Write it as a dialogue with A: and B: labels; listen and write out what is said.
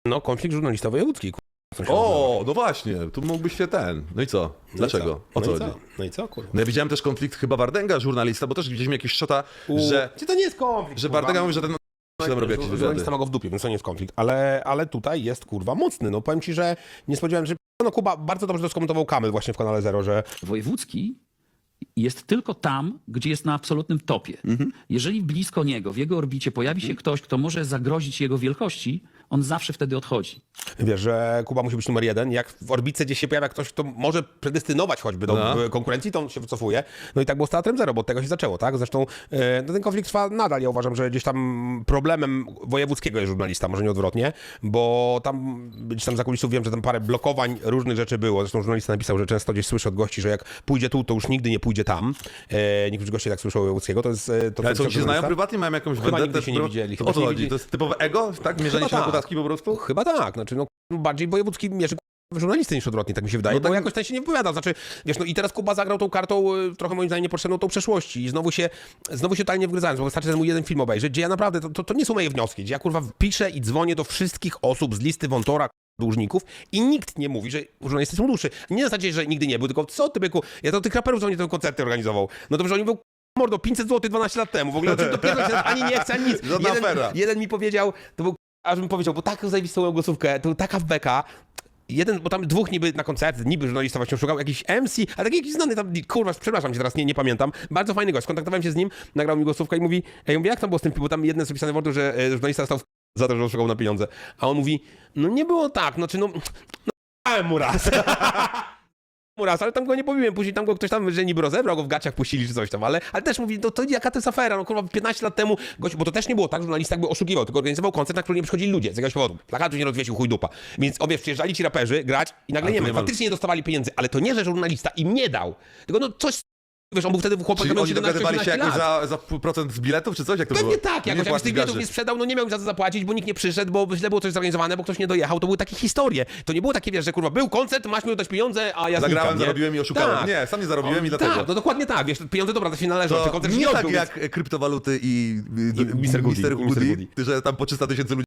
A: No, konflikt żurnalista-wojewódzki.
B: O, no właśnie, tu mógłbyś się No i co? Dlaczego? O co chodzi?
A: No i co, kurwa?
B: No ja widziałem też konflikt chyba Wardęga, żurnalista, bo też gdzieś mi jakiś szota, że
A: Czy to nie jest konflikt?
B: że Wardęga mówi, że ten się tam robi jakieś wywiady.
A: Żurnalista ma go w dupie, więc to nie jest konflikt. Ale tutaj jest, kurwa, mocny. No powiem ci, że nie spodziewałem się... No Kuba bardzo dobrze to skomentował Kamil właśnie w kanale Zero, że
C: Wojewódzki jest tylko tam, gdzie jest na absolutnym topie. Jeżeli blisko niego, w jego orbicie pojawi się ktoś, kto może zagrozić jego wielkości, on zawsze wtedy odchodzi.
A: wiesz, że Kuba musi być numer jeden. Jak w orbice gdzieś się pojawia ktoś, kto może predestynować choćby do konkurencji, to on się wycofuje. No i tak było z Teatrem Zero, bo od tego się zaczęło, tak? Zresztą no ten konflikt trwa nadal. Ja uważam, że gdzieś tam problemem wojewódzkiego jest żurnalista, może nie odwrotnie, bo tam gdzieś tam za kulisów wiem, że tam parę blokowań różnych rzeczy było. Zresztą żurnalista napisał, że często gdzieś słyszy od gości, że jak pójdzie tu, to już nigdy nie pójdzie tam. Niektórzy goście tak słyszą o wojewódzkiego. To jest... To
B: Ale co, oni się znają prywatnie? Mają jakąś
A: Chyba
B: vendetę?
A: nigdy się nie widzieli.
B: O co chodzi? To jest typowe ego? Tak? Mierzenie się na
A: tak.
B: podatki po prostu?
A: Chyba tak, znaczy no bardziej wojewódzki mierzy żurnalisty niż odwrotnie, tak mi się wydaje,
B: No tak...
A: bo jakoś ten się nie wypowiada, znaczy, wiesz, no i teraz Kuba zagrał tą kartą trochę moim zdaniem niepotrzebną tą przeszłości i znowu się totalnie wgryzając, bo wystarczy ten mój jeden film obejrzeć, gdzie ja naprawdę, to nie są moje wnioski, gdzie ja kurwa piszę i dzwonię do wszystkich osób z listy Wątora dłużników i nikt nie mówi, że żurnalisty są dłuższy. Nie na zasadzie, że nigdy nie był, tylko co ty byku, ja to tych raperów, co oni te koncerty organizował. No dobrze, oni był mordo, 500 zł 12 lat temu, w ogóle o czym dopiero się ani nie chce, ani nic. Jeden mi powiedział, to był aż bym powiedział, bo taką zajebistą głosówkę, to taka w beka. Jeden, bo tam dwóch niby na koncerty, niby żurnalista właśnie szukał, jakiś MC, ale taki jakiś znany tam, kurwa, przepraszam cię teraz, nie pamiętam. Bardzo fajny gość, skontaktowałem się z nim, nagrał mi głosówkę i mówi, ja mówię, jak tam było z tym, bo tam jedno jest opisane w wordu, że żurnalista stał za to, że on szukał na pieniądze. A on mówi, no nie było tak, znaczy no dałem mu raz. Ale tam go nie pobiłem, później tam go ktoś tam, że niby rozebrał go w gaciach, puścili czy coś tam, ale też mówi, no to jaka to jest afera, no kurwa 15 lat temu, gość, bo to też nie było tak, że żurnalista jakby oszukiwał, tylko organizował koncert, na który nie przychodzili ludzie z jakiegoś powodu. Plakatu nie rozwiesił, chuj dupa. Więc przyjeżdżali ci raperzy grać i nagle nie wiem, faktycznie nie dostawali pieniędzy, ale to nie, że żurnalista im nie dał, tylko no coś, wiesz, on był wtedy chłopak,
B: Czyli oni dogadywali się jakoś
A: lat.
B: za procent z biletów, czy coś? Jak to
A: Pewnie
B: było?
A: tak, jakoś jak tych biletów nie sprzedał, no nie miał za to zapłacić, bo nikt nie przyszedł, bo źle było coś zorganizowane, bo ktoś nie dojechał, to były takie historie. To nie było takie, wiesz, że kurwa był koncert, masz mi oddać pieniądze, a ja
B: zagrałem,
A: znikam,
B: zarobiłem i oszukałem.
A: Tak.
B: Nie, sam nie zarobiłem i dlatego.
A: Tak, no dokładnie tak, wiesz, pieniądze dobra, to się należą,
B: To
A: czy koncert
B: nie
A: nie
B: tak
A: odbył,
B: jak kryptowaluty i
A: Mr. Goody,
B: że tam po 300 000 ludzi